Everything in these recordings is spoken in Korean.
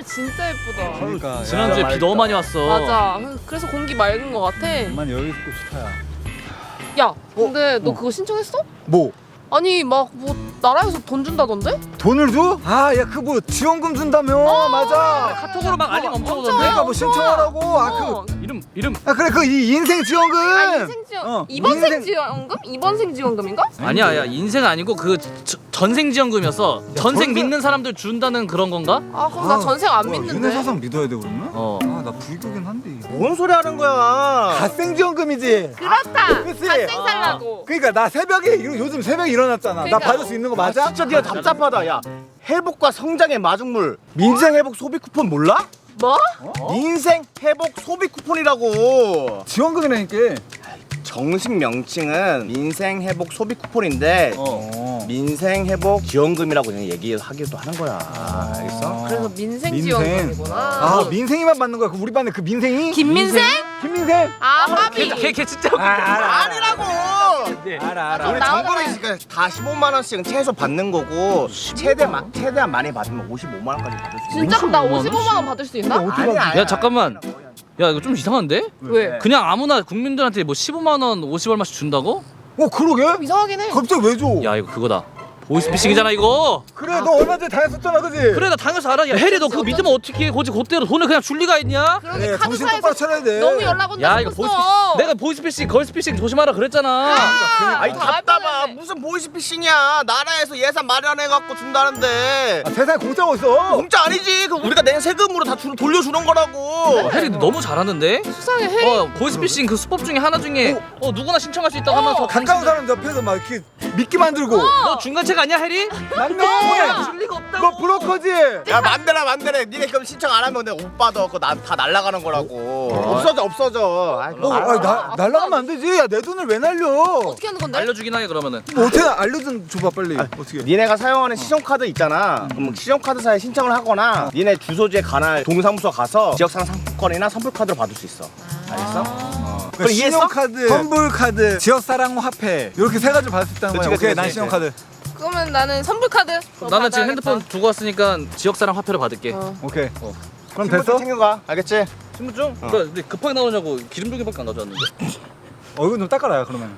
진짜 예쁘다. 그러니까 지난주에 비 너무 많이 왔어. 맞아. 그래서 공기 맑은 것 같아. 정말 여기 있고 좋다야. 야, 근데 너 그거 신청했어? 뭐? 아니 막 뭐 나라에서 돈 준다던데? 돈을 줘? 아, 야, 그 뭐 지원금 준다며. 맞아. 카톡으로 막 알림 엄청 오던데. 그러니까 뭐 신청하라고. 어. 이름 아, 그래, 그 인생 지원금. 아 인생 지원 어, 이번 인생- 생 지원금? 이번 생 지원금인가? 아니야, 야 인생 아니고 그 전생 지원금이었어. 전생 전생- 믿는 사람들 준다는 그런 건가? 아 그럼 나 전생 안 믿는데. 윤회사상 믿어야 돼 그러면? 어. 아, 나 불교긴 한데. 뭔 소리 하는 거야? 갓생 지원금이지. 그렇다. 그치? 갓생 살라고. 그러니까 나 새벽에 요즘 새벽에 일어났잖아. 그러니까. 나 받을 수 있는 거 맞아? 진짜 네가 답답하다. 야, 회복과 성장의 마중물 민생 회복 소비 쿠폰 몰라? 뭐? 민생 회복 소비 쿠폰이라고. 지원금이라니까. 정식 명칭은 민생 회복 소비 쿠폰인데 민생 회복 지원금이라고 그냥 얘기하기도 하는 거야. 알겠어? 그래서 민생 민생. 지원금이구나. 아, 민생이만 받는 거야. 그 우리 반에 그 민생이? 김민생? 김민생? 아 합의. 걔 진짜 아니라고. 알아. 우리 정부는 다 15만 원씩은 최소 받는 거고 최대한 많이 받으면 55만 원까지 받을 수 있어. 진짜 그럼 나 55만 원? 55만 원 받을 수 있나? 아니야. 야 잠깐만. 야 이거 좀 이상한데? 왜? 그냥 아무나 국민들한테 뭐 15만 원, 50얼마씩 준다고? 그러게? 이상하긴 해. 갑자기 왜 줘? 야 이거 그거다. 보이스피싱이잖아 이거. 그래, 너 얼마 전에 당했었잖아, 그지? 그래 나 당연히 알아. 야 해리 너 그거 믿으면 어떻게 거지 그대로 돈을 그냥 줄 리가 있냐? 그러게 네, 정신 카드사에서 똑바로 차려야 돼. 너무 연락 온다. 야 이거 내가 보이스피싱, 걸스피싱 조심하라 그랬잖아. 아니 다 답답하. 알바네. 무슨 보이스피싱이야. 나라에서 예산 마련해갖고 준다는데. 아, 세상에 공짜가 어딨어? 공짜 아니지. 그 우리가 낸 세금으로 다 돌려주는 거라고. 해리 너 너무 잘하는데? 수상해 해. 보이스피싱 그 수법 중에 하나 중에 누구나 신청할 수 있다고 하면서 가까운 사람 옆에서 막 이렇게 믿게 만들고. 너 중간체가 아니야 해리? 맞네. 줄 리가 없다고. 너 브로커지? 야 맘대로. 니네 그럼 신청 안 하면 내가 오빠도 그거 다 날라가는 거라고. 없어져. 아이, 그거 날라가면 안 되지. 야, 내 돈을 왜 날려? 어떻게 하는 건데? 알려주긴 하게 그러면은. 뭐 어떻게 알려준 줘봐 빨리. 어떻게? 니네가 사용하는 신용카드 있잖아. 그럼 신용카드사에 신청을 하거나 니네 주소지에 관할 동사무소 가서 지역상 상품권이나 선불카드로 받을 수 있어. 알겠어? 그러니까 이해했어? 신용카드, 선불카드, 지역사랑 화폐 이렇게 세 가지를 받을 수 있다는 거야. 그치, 오케이, 난 그치. 신용카드. 그러면 나는 선불카드. 나는 지금 핸드폰 두고 왔으니까 지역사랑 화폐로 받을게. 오케이. 그럼 신분증 됐어? 챙겨가. 알겠지? 신분증? 근데 급하게 나오냐고 기름종이밖에 안 가져왔는데. 이거 좀 닦아라 그러면.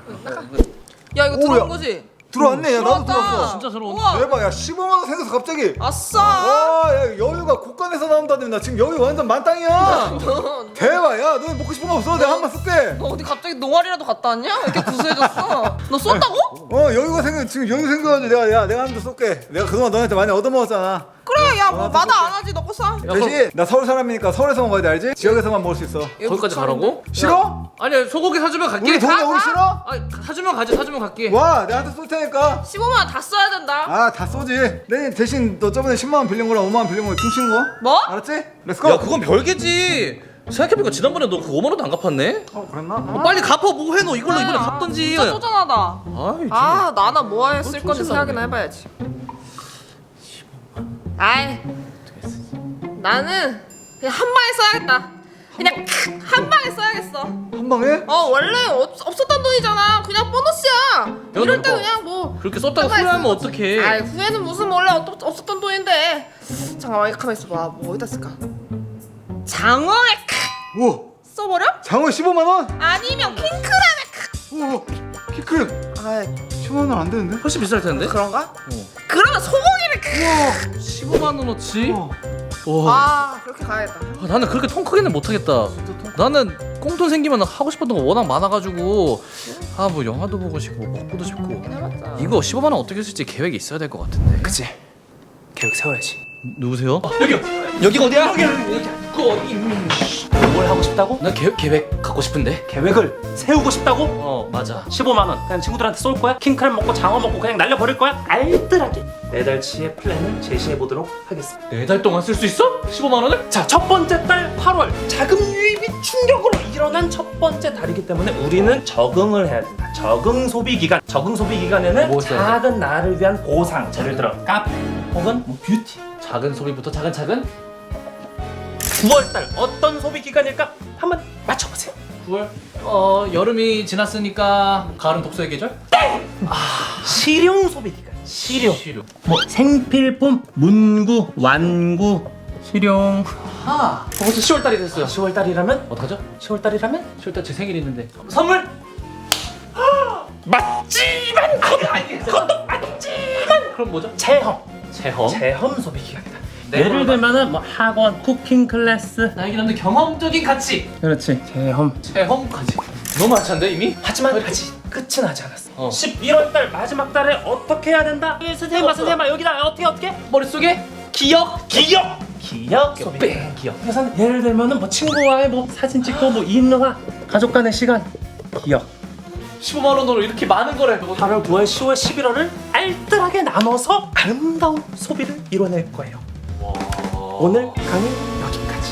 야 이거 오야. 들어온 거지? 들어왔네. 야, 나도 들어왔다. 들어왔어. 진짜 서러운. 우와. 대박. 야, 15만 원 생겨서 갑자기. 아싸. 와, 야, 여유가 곳간에서 나온다더니 나 지금 여유 완전 만땅이야. 대박. 야, 너 먹고 싶은 거 없어? 내가 한 번 쏠게. 너 어디 갑자기 농아리라도 갔다 왔냐? 왜 이렇게 구수해졌어? 너 쏜다고? 여유가 지금 여유 생겨가지고 내가 한 번 쏠게. 내가 그동안 너한테 많이 얻어먹었잖아. 그래 야 뭐 마다 안 하지 너 거 쏴. 대신 나 서울 사람이니까 서울에서 먹어야 돼, 알지? 지역에서만 먹을 수 있어. 거기까지 가라고? 싫어? 아니 소고기 사주면 갈게. 우리 동네 오기 싫어? 아니 사주면 가지. 사주면 갈게. 와, 내한테 쏠 테니까. 15만 원 다 써야 된다. 아, 다 쏘지. 내 대신 너 저번에 10만 원 빌린 거랑 5만 원 빌린 거 퉁치는 거? 뭐? 알았지? 렛츠고. 야 그건 별개지. 생각해보니까 지난번에 너 그 5만 원도 안 갚았네. 그랬나? 빨리 갚아 뭐 해 너 이걸로 이번에 갚던지. 진짜 쪼잔하다. 아이, 아 나나 뭐에 쓸 건지 조심하네. 생각이나 해봐야지. 아이 나는 그냥 한 방에 써야겠다. 그냥 한 방에 써야겠어. 한 방에? 원래 없었던 돈이잖아. 그냥 보너스야. 이럴 때 너 그냥 뭐 그렇게 썼다가 한 방에 후회하면 쓰는 거지. 어떡해. 아이 후회는 무슨 원래 없었던 돈인데. 잠깐만 가만 있어봐. 뭐 어디다 쓸까? 장어에 우와, 써버려? 장어 15만 원? 아니면 킹크랩에 우와, 키크림. 아이 15만 원 안 되는데? 훨씬 비쌀 텐데? 그런가? 그러면 소고기를 15만 원어치? 우와. 와. 아 그렇게 가야겠다. 나는 그렇게 통 크게는 못하겠다. 나는 꽁돈 생기면 하고 싶었던 거 워낙 많아가지고 뭐 영화도 보고 싶고 먹고도 싶고 해봤자. 이거 15만 원 어떻게 쓸지 계획이 있어야 될 것 같은데. 그치. 계획 세워야지. 누구세요? 여기가 어디야? 뭘 하고 싶다고? 나 계획 갖고 싶은데. 계획을 세우고 싶다고? 맞아. 15만 원 그냥 친구들한테 쏠 거야? 킹크랩 먹고 장어 먹고 그냥 날려버릴 거야? 알뜰하게 4달치의 플랜을 제시해 보도록 하겠습니다. 4달 동안 쓸 수 있어? 15만 원을? 자, 첫 번째 달 8월 자금 유입이 충격으로 일어난 첫 번째 달이기 때문에 우리는 적응을 해야 된다. 적응 소비 기간. 적응 소비 기간에는 뭐 써야 돼? 작은 나를 위한 보상. 예를 들어 카페 혹은 뭐 뷰티. 작은 소비부터 차근차근. 9월 달 어떤 소비 기간일까? 한번 맞춰보세요. 9월? 여름이 지났으니까 가을은 독서의 계절? 실용 소비 기간. 실용. 시료. 뭐 생필품, 문구, 완구, 실용. 벌써 10월달이 됐어요. 10월달이라면? 어떡하죠? 10월달이라면? 10월달 제 생일이 있는데. 선물! 맞지만 그럼 뭐죠? 체험 체험. 소비 기간이다. 네, 예를 그러면- 들면은 뭐 학원, 쿠킹 클래스. 나에게 남는 경험적인 가치. 그렇지. 체험. 체험까지. 너무 많찬데 이미? 하지만 아직 끝은 하지 않았어. 어. 11월달 마지막 달에 어떻게 해야 된다? 선생님아 여기다 어떻게? 머릿속에 기억 소비. 뺑 기억. 그래서 예를 들면은 뭐 친구와의 뭐 사진 찍고 뭐 인화, 가족 간의 시간. 기억. 15만 원으로 이렇게 많은 거래. 8월, 9월, 10월, 11월을 알뜰하게 나눠서 아름다운 소비를 이뤄낼 거예요. 오늘 강의 여기까지.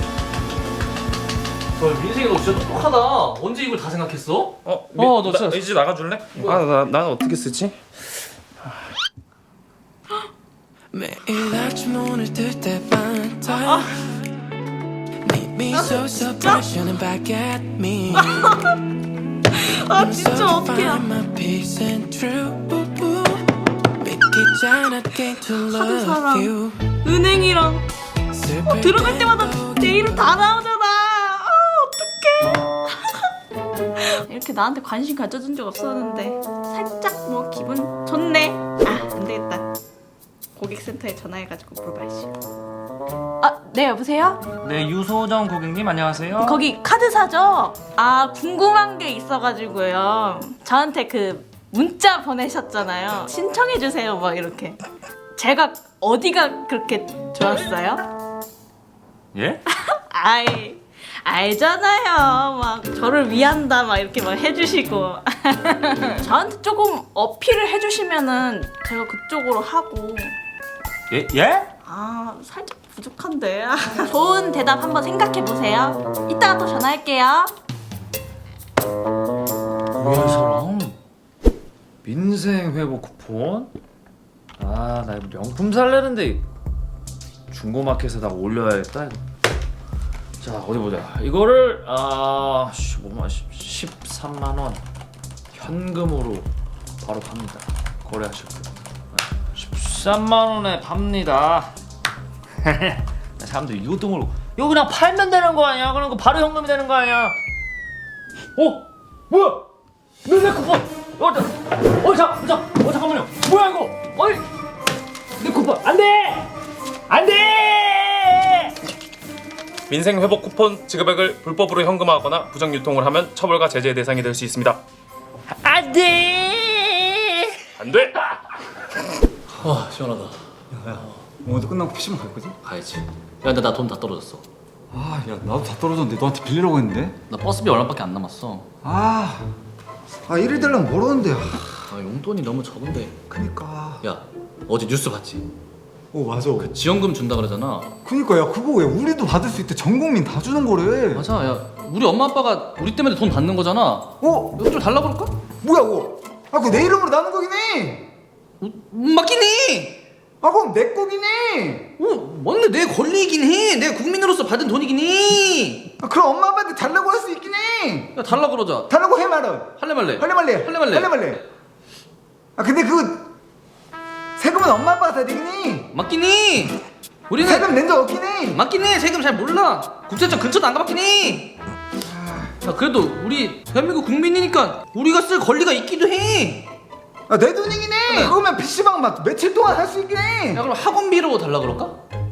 민생이 너 진짜 똑똑하다. 언제 이걸 다 생각했어? 너 진짜 이제 나가줄래? 난 어떻게 쓰지? 매일 아침 오늘 뜰 때 반짝 Meet me so suppression back at me 아 진짜 어떡해. my peace and truth 믿기 않았게 to love 사람. you 은행이랑 들어갈 때마다 내 이름 다 나오잖아. 어떡해. 이렇게 나한테 관심 가져준 적 없었는데 살짝 뭐 기분 좋네. 안 되겠다. 고객센터에 전화해가지고 물어봐야지. 네 여보세요? 네, 유소정 고객님 안녕하세요. 거기 카드사죠? 궁금한 게 있어가지고요. 저한테 그 문자 보내셨잖아요. 신청해주세요 막 이렇게. 제가 어디가 그렇게 좋았어요? 예? 아이 알잖아요. 막 저를 위한다 막 이렇게 막 해주시고 저한테 조금 어필을 해주시면은 제가 그쪽으로 하고. 예? 살짝 부족한데. 좋은 대답 한번 생각해보세요. 이따가 또 전화할게요. 뭐야 이 사람? 민생 회복 쿠폰? 나 이거 명품 살려는데 중고마켓에다가 올려야겠다 이거. 자 어디 보자. 이거를 13만 원 현금으로 바로 팝니다. 거래하셨고요. 13만 원에 팝니다. 사람들이 이것도 모르고 이거 그냥 팔면 되는 거 아니야? 그럼 바로 현금이 되는 거 아니야? 뭐야? 내 쿠폰! 잠깐만요. 뭐야 이거? 내 쿠폰 안 돼! 안 돼! 민생 회복 쿠폰 지급액을 불법으로 현금화하거나 부정 유통을 하면 처벌과 제재의 대상이 될 수 있습니다. 안 돼! 안 돼! 시원하다. 오늘 끝나고 PC방 갈 거지? 가야지. 야 근데 나 돈 다 떨어졌어. 야 나도 다 떨어졌는데 너한테 빌리려고 했는데. 나 버스비 얼마밖에 안 남았어. 1일 되려면 모르는데. 용돈이 너무 적은데. 그니까. 야 어제 뉴스 봤지? 맞아. 지원금 준다 그러잖아. 그니까 야 그거 왜 우리도 받을 수 있대. 전 국민 다 주는 거래. 맞아. 야 우리 엄마 아빠가 우리 때문에 돈 받는 거잖아. 이거 좀 달라 그럴까? 뭐야 그거? 그거 내 이름으로 나는 거긴 해. 맞긴 해. 그럼 내 거긴 해. 맞네. 내 권리이긴 해. 내가 국민으로서 받은 돈이긴 해. 그럼 엄마 아빠한테 달라고 할 수 있긴 해. 야 달라 그러자. 달라고 해 말은. 할래 말래? 할래 말래. 근데 그 세금은 엄마 아빠가 다 내긴 해. 맞긴 해. 우리는 세금 낸 적 없긴 해. 맞긴 해. 세금 잘 몰라. 국세청 근처도 안 가봤긴 해. 야 그래도 우리 대한민국 국민이니까 우리가 쓸 권리가 있기도 해. 내 돈이긴 해. 그러면 PC방 막 며칠 동안 할 수 있긴 해. 야 그럼 학원비로 달라 그럴까?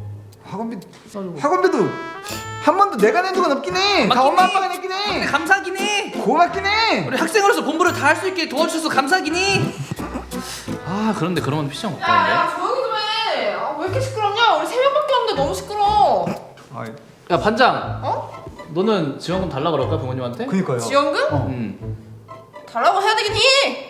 학원비도 한 번도 내가 낸 적은 없긴 해. 다 맞긴 엄마 해. 아빠가 냈긴 근데 해. 감사하긴 해. 고맙긴 해. 우리 학생으로서 공부를 다 할 수 있게 도와주셔서 감사하긴 해. 그런데 그러면 PC방 못 가는데. 야 조용히 좀 해. 왜 이렇게 시끄럽냐? 우리 3명밖에 없는데 너무 시끄러워. 야 반장. 너는 지원금 달라 그럴까 부모님한테? 그니까요. 지원금? 달라고 해야 되긴 해.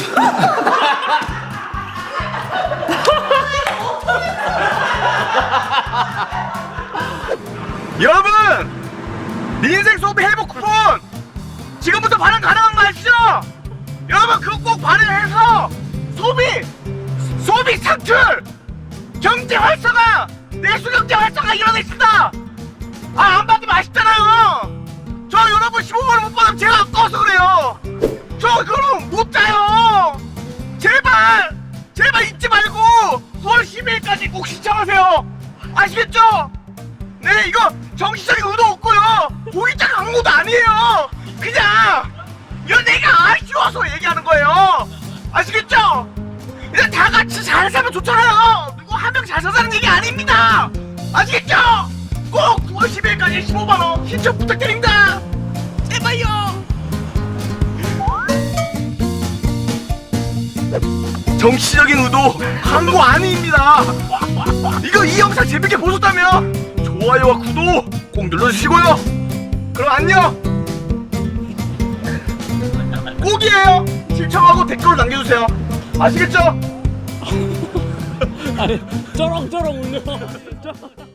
여러분! 민생 소비 회복 쿠폰! 지금부터 발행 가능한 거 아시죠? 여러분 그거 꼭 발행해서 소비 창출! 경제 활성화! 내수 경제 활성화 이뤄냈습니다! 안 받으면 아쉽잖아요! 저 여러분 15만 원 못 받으면 제가 아까워서 그래요! 저 그럼 못 자요! 제발 잊지 말고 9월 12일까지 꼭 신청하세요! 아시겠죠? 네, 이거 정치적인 의도 없고요. 고의적 강요도 아니에요. 그냥 이건 내가 아쉬워서 얘기하는 거예요. 아시겠죠? 이제 다 같이 잘 살면 좋잖아요. 누구 한 명 잘 사자는 얘기 아닙니다. 아시겠죠? 꼭 9월 10일까지 15만 원 신청 부탁드립니다. 제발요. 정치적인 의도 광고 아닙니다. 이거 이 영상 재밌게 보셨다면 좋아요와 구독 꼭 눌러주시고요. 그럼 안녕. 꼭이에요. 신청하고 댓글을 남겨주세요. 아시겠죠? 아니 쩌렁쩌렁 울려.